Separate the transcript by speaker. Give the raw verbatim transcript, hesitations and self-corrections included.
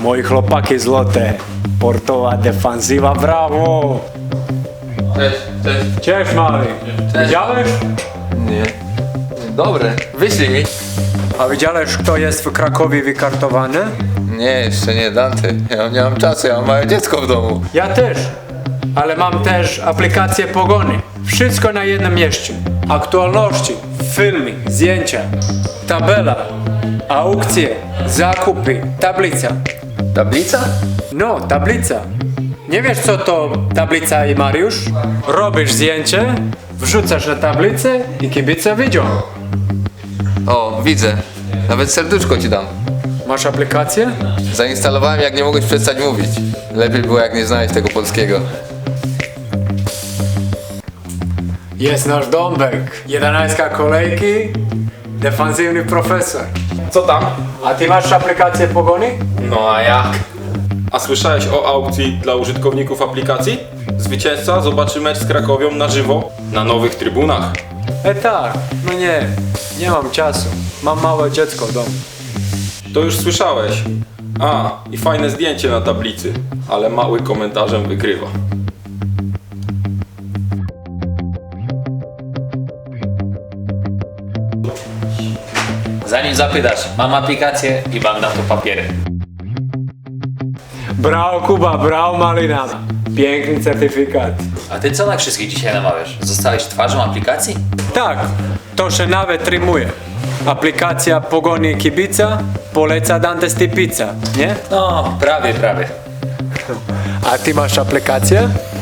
Speaker 1: Moji chłopaki złote. Portowa defanzywa, brawo!
Speaker 2: Cześć, cześć.
Speaker 1: Cześć, mały.
Speaker 2: Cześć.
Speaker 1: Widziałeś?
Speaker 2: Nie. Dobre, wyślij mi.
Speaker 1: A widziałeś, kto jest w Krakowie wykartowany?
Speaker 2: Nie, jeszcze nie, Dante. Ja nie mam czasu, ja mam małe dziecko w domu.
Speaker 1: Ja też. Ale mam też aplikację Pogoni. Wszystko na jednym mieście. Aktualności, filmy, zdjęcia, tabela, aukcje, zakupy, tablica.
Speaker 2: Tablica?
Speaker 1: No, tablica. Nie wiesz, co to tablica i Mariusz? Robisz zdjęcie, wrzucasz na tablicę i kibice widzą.
Speaker 2: O, widzę. Nawet serduszko ci dam.
Speaker 1: Masz aplikację?
Speaker 2: Zainstalowałem, jak nie mogłeś przestać mówić. Lepiej było, jak nie znałeś tego polskiego.
Speaker 1: Jest nasz Dąbek. jedenastka kolejki, defensywny profesor.
Speaker 3: Co tam?
Speaker 1: A ty masz aplikację Pogoni?
Speaker 3: No a jak? A słyszałeś o aukcji dla użytkowników aplikacji? Zwycięzca zobaczy mecz z Krakowią na żywo na nowych trybunach.
Speaker 1: E tak, no nie, nie mam czasu. Mam małe dziecko w domu.
Speaker 3: To już słyszałeś. A, i fajne zdjęcie na tablicy, ale mały komentarzem wygrywa.
Speaker 4: Zanim zapytasz, mam aplikację i mam na to papiery.
Speaker 1: Brawo Kuba, brawo Malina. Piękny certyfikat.
Speaker 4: A ty co na wszystkich dzisiaj namawiasz? Zostałeś twarzą aplikacji?
Speaker 1: Tak, to się nawet rymuje. Aplikacja Pogoni kibica poleca Dante Stypica, nie?
Speaker 4: No, prawie, prawie.
Speaker 1: A ty masz aplikację?